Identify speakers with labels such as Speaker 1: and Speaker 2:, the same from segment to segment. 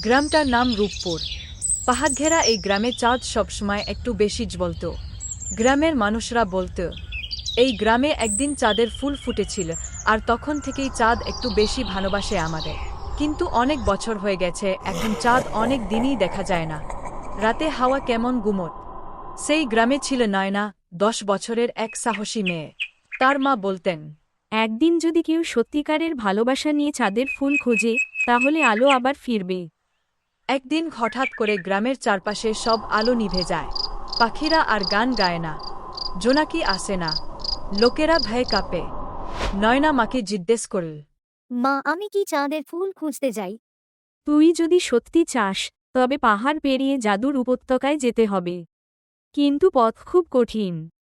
Speaker 1: গ্রামটার নাম রূপপুর। পাহাড়ঘেরা এই গ্রামে চাঁদ সবসময় একটু বেশি জ্বলত। গ্রামের মানুষরা বলত, এই গ্রামে একদিন চাঁদের ফুল ফুটেছিল, আর তখন থেকেই চাঁদ একটু বেশি ভালোবাসে আমাদের। কিন্তু অনেক বছর হয়ে গেছে, এখন চাঁদ অনেক দিনই দেখা যায় না। রাতে হাওয়া কেমন গুমট। সেই গ্রামে ছিল নয়না, 10 বছরের এক সাহসী মেয়ে। তার মা বলতেন,
Speaker 2: একদিন যদি কেউ সত্যিকারের ভালোবাসা নিয়ে চাঁদের ফুল খোঁজে, তাহলে আলো আবার ফিরবে।
Speaker 1: একদিন হঠাৎ করে গ্রামের চারপাশে সব আলো নিভে যায়। পাখিরা আর গান গায় না, জোনাকি আসে না, লোকেরা ভয়ে কাঁপে। নয়না মাকে জিজ্ঞেস করল,
Speaker 3: মা, আমি কি চাঁদের ফুল খুঁজতে যাই?
Speaker 2: তুই যদি সত্যি চাস, তবে পাহাড় পেরিয়ে জাদুর উপত্যকায় যেতে হবে। কিন্তু পথ খুব কঠিন।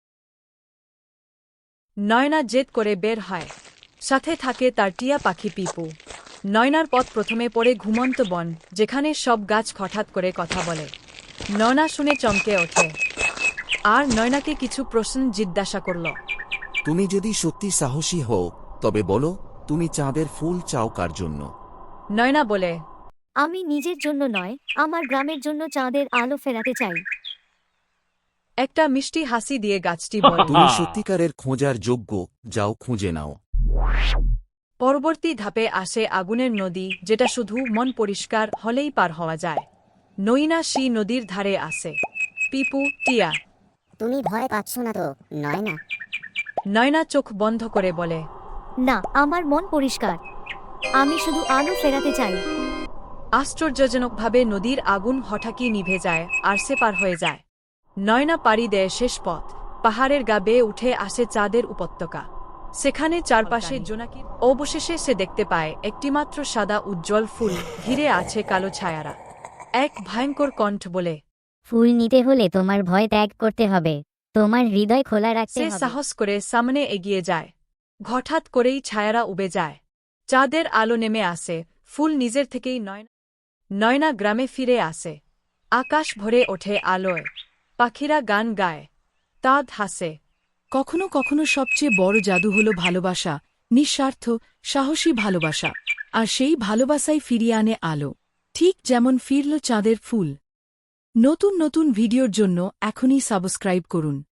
Speaker 1: নয়না জেদ করে বের হয়। সাথে থাকে তার টিয়া পাখি পিপু। নয়নার পথ প্রথমে পড়ে ঘুমন্ত বন, যেখানে সব গাছ হঠাৎ করে কথা বলে। নয়না শুনে চমকে ওঠে, আর নয়নাকে কিছু প্রশ্ন জিজ্ঞাসা করল।
Speaker 4: তুমি যদি সত্যি সাহসী হও, তবে বলো, তুমি চাঁদের ফুল চাও কার জন্য?
Speaker 1: নয়না বলে,
Speaker 3: আমি নিজের জন্য নয়, আমার গ্রামের জন্য চাঁদের আলো ফেরাতে চাই।
Speaker 1: একটা মিষ্টি হাসি দিয়ে গাছটি বলে।
Speaker 4: তুমি সত্যিকারের খোঁজার যোগ্য, যাও খুঁজে নাও।
Speaker 1: পরবর্তী ধাপে আসে আগুনের নদী, যেটা শুধু মন পরিষ্কার হলেই পার হওয়া যায়। নয়না সেই নদীর ধারে আসে। পিপু, টিয়া।
Speaker 5: তুমি ভয় পাচ্ছ না তো, নয়না?
Speaker 1: নয়না চোখ বন্ধ করে বলে,
Speaker 3: না, আমার মন পরিষ্কার। আমি শুধু আলো ফেরাতে চাই।
Speaker 1: আশ্চর্যজনকভাবে নদীর আগুন হঠাৎই নিভে যায়, আর সে পার হয়ে যায়। নয়না পাড়ি দেয় শেষ পথ। পাহাড়ের গা বেয়ে উঠে আসে চাঁদের উপত্যকা। সেখানে চারপাশে জোনাকির। অবশেষে সে দেখতে পায় একটিমাত্র সাদা উজ্জ্বল ফুল, ঘিরে আছে কালো ছায়ারা। এক ভয়ঙ্কর কণ্ঠ বলে,
Speaker 5: ফুল নিতে হলে তোমার ভয় ত্যাগ করতে হবে, তোমার হৃদয় খোলা রাখতে
Speaker 1: সে
Speaker 5: হবে।
Speaker 1: সাহস করে সামনে এগিয়ে যায়। হঠাৎ করেই ছায়ারা উবে যায়। চাঁদের আলো নেমে আসে। ফুল নিজের থেকেই নয়না গ্রামে ফিরে আসে। আকাশ ভরে ওঠে আলোয়। পাখিরা গান গায়, চাঁদ হাসে।
Speaker 6: কখনো কখনো সবচেয়ে বড় জাদু হল ভালোবাসা, নিঃস্বার্থ, সাহসী ভালোবাসা। আর সেই ভালোবাসাই ফিরিয়ে আনে আলো, ঠিক যেমন ফিরল চাঁদের ফুল। নতুন নতুন ভিডিওর জন্য এখনই সাবস্ক্রাইব করুন।